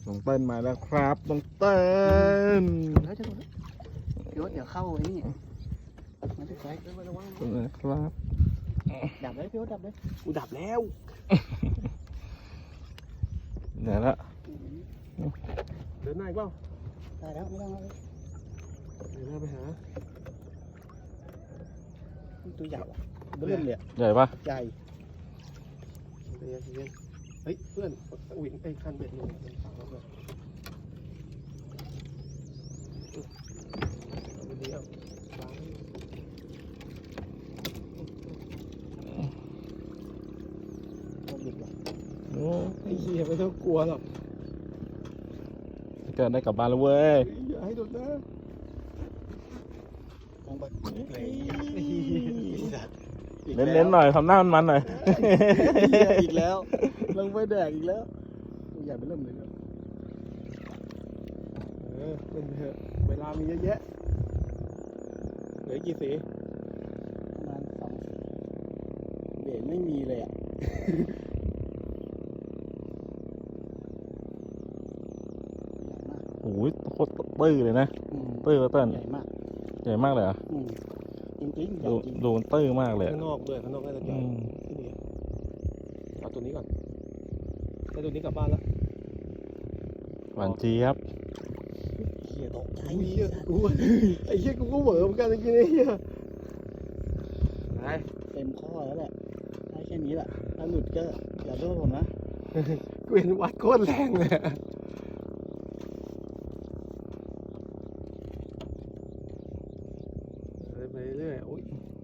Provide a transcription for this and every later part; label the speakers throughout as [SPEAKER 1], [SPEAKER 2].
[SPEAKER 1] น้องเติ้ลมาแล้วครับน้องเติ้ล
[SPEAKER 2] แล้วจะเดี๋ยวเข้าไอ้นี่มาที่ไฟ
[SPEAKER 1] นะครับ
[SPEAKER 2] ดับเลยพี่โอ๊ตดับเลย
[SPEAKER 3] กูดับแล้ว
[SPEAKER 1] ไหนละ
[SPEAKER 3] เดินหน้าอีกเปล่า
[SPEAKER 2] ได้แล้วไม่ต้องแล้ว
[SPEAKER 3] เดินหน้าไปหา
[SPEAKER 2] ตัวใหญ่เริ่มเลย
[SPEAKER 1] ใหญ่ปะ
[SPEAKER 2] ใหญ่
[SPEAKER 3] เย็นเฮ้ยเพื่อนอุ้ยไอ้คันเบ็ดหนึ่งฝั่งเราเลยเอาดีเอาล้าง
[SPEAKER 2] ตัวบิดว่ะ
[SPEAKER 1] โอ้
[SPEAKER 3] ไอ้เหี้ยไม่ต้องกลัวหรอก
[SPEAKER 1] เกิดได้กลับบ้านแล้วเว้ย
[SPEAKER 3] อย่าให้โดนนะ
[SPEAKER 2] มองไป
[SPEAKER 1] เน้นๆหน่อยทำหน้ามันๆหน่อย
[SPEAKER 2] อีกแล้วลงไปแดกอีกแล้วตัวใหญ่ไปเริ่มเลย
[SPEAKER 3] เป็นเถอะเวลามีเยอะแยะเหลือกี่สี
[SPEAKER 2] ประมาณ2เบรกไม่มีเลยอ่ะ
[SPEAKER 1] โอ้ยโคตรตื้อเลยนะตื้อเติ้ล
[SPEAKER 2] ใหญ่มาก
[SPEAKER 1] ใหญ่มากเลยเหรอ่ะ
[SPEAKER 2] จริงๆใหญ่
[SPEAKER 1] ดู
[SPEAKER 2] จริง
[SPEAKER 1] ดูมันตื้อมากเลย
[SPEAKER 3] ข้างนอกด้วยข้างนอกน่าจะใหญ่ที่นี่เอาตัวนี้ก่อนแล้วตัวนี้กลับบ้านแล้ว
[SPEAKER 1] หวานเจี๊ยบ
[SPEAKER 2] เหี้ยตกใจ
[SPEAKER 3] ไอ้เหี้ยกูไอ้เหี้ยกูก็เหวอเหมือนกันจริงๆไอ้เหี้ยไป
[SPEAKER 2] เต็มข้อแล้วแหละได้แค่นี้แหละถ้าหลุดก็อย่าโทษผมนะ
[SPEAKER 3] กูเห็นวัดโคตรแรงเลยไปเรื่อยโอ้ย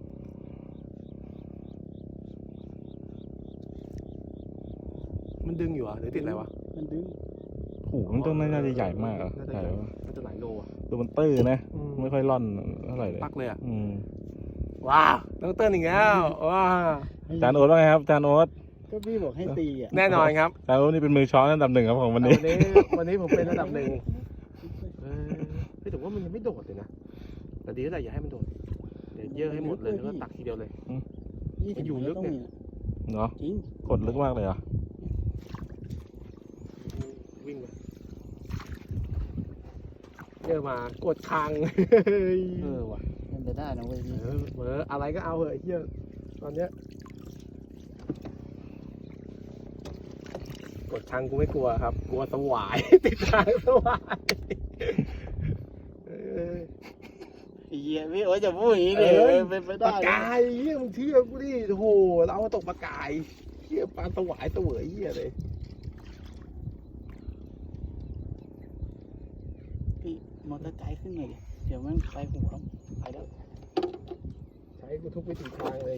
[SPEAKER 3] มันดึงอยู่อ่ะหรือติดอะไรวะ
[SPEAKER 2] มันดึง
[SPEAKER 1] โอ้โหมันต้องน่าจะใหญ่มากอ่ะ
[SPEAKER 3] น่าจะ
[SPEAKER 1] ใหญ่
[SPEAKER 3] ใหญ่
[SPEAKER 1] ปะ
[SPEAKER 3] น่าจะหลายโลอ่ะ
[SPEAKER 1] ดูมันตื้อนะไม่ค่อยร่อนเท่าไหร่เลย
[SPEAKER 3] ปักเลยอ่ะ
[SPEAKER 1] อืม
[SPEAKER 3] ว้าวต้องเต้นอีกแล้วว้าว
[SPEAKER 1] จานโอ๊ตว่าไงครับจานโอ๊ต
[SPEAKER 2] ก็พี่บอกให้ตีอ่ะ
[SPEAKER 3] แน่นอนครับ
[SPEAKER 1] จานโอ๊ตนี่เป็นมือช้อนอันดับ 1ครับของวันนี้
[SPEAKER 3] วันนี้ผมเป็นระดับหนึ่งแต่ว่ามันยังไม่โดดเลยนะแต่ดีแล้วแหละอย่าให้มันโดดเดี๋ยวเยอะให้หมดเลยแล้วก็ตักทีเดียวเลย มันอยู่ลึกเนี่ย
[SPEAKER 1] เนาะ
[SPEAKER 2] จริง
[SPEAKER 1] กดลึกมากเลยเหรอ่ะ
[SPEAKER 3] วิ่งไปเยอะมากดคาง
[SPEAKER 2] ว่ะเป็นไปได้นะเว้ยพี่
[SPEAKER 3] เหมืออะไรก็เอาเหอะไอ้เหี้ยตอนเนี้ยกดคางกูไม่กลัวครับกลัวสวาย ติดคางสวาย
[SPEAKER 2] เหี้ยพี่โอ้ยจะพูดอย่างนี้เลยเป็นไป
[SPEAKER 3] ป
[SPEAKER 2] ได้
[SPEAKER 3] ลากายเหี้ยมึงเชื่อกูดิโอ้โหเรามาตกปลากายเหี้ยปลาสวายเสวยเหี้ยเลย
[SPEAKER 2] พี่มอเตอร์ไซค์ขึ้นหน่อยดิเดี๋ยวมันไปหัวไปแล้ว
[SPEAKER 3] ใช้กูทุกวิถีทางเลย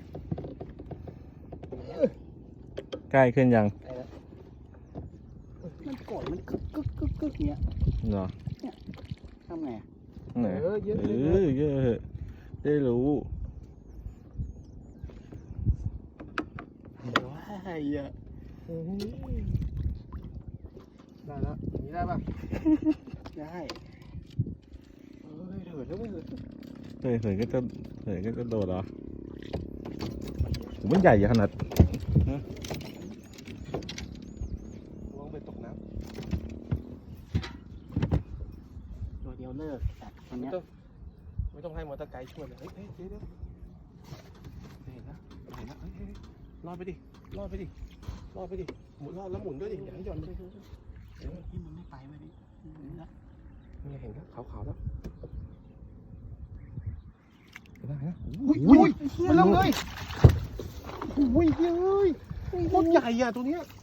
[SPEAKER 1] ใกล้ขึ้นยัง
[SPEAKER 2] ไปแล้วมันกดมันกึกกึกกึกกึกเงี้ย
[SPEAKER 1] เนาะ
[SPEAKER 2] ทำไง
[SPEAKER 1] ไหน
[SPEAKER 3] เยอะ
[SPEAKER 1] เออเยอะได้รู้
[SPEAKER 2] ว้ายอ่ะ
[SPEAKER 3] ได้แล้วอย่างนี้ได้ป่ะ
[SPEAKER 2] ได้เถิดแล้วเว้ย
[SPEAKER 1] เฮ้ยก็จะโดดเหรอผมมันใหญ่ขนาด
[SPEAKER 3] ลองไปตกน้
[SPEAKER 2] ตัวเดียวเลิกแต่ตอน
[SPEAKER 3] ำ
[SPEAKER 2] เนี้ย
[SPEAKER 3] ไม่ต้องให้มอเตอร์ไกด์ช่วยเลยเฮ้ยเดี๋ยวเห็นนะเห็นนะเฮ้ยรอดไปดิรอดไปดิรอดไปดิหมุนรอดแล้วหมุนด้วยดิอย่าให้หย่อนเลย
[SPEAKER 2] ที่มันไม่ไปเว้ยนี่นะ
[SPEAKER 3] นี่เห็นนะขาวๆแล้ว
[SPEAKER 2] อุ้ยมันลงเลย
[SPEAKER 3] อุ้ยเฮ้ยโคตรใหญ่อะตัวเนี้ย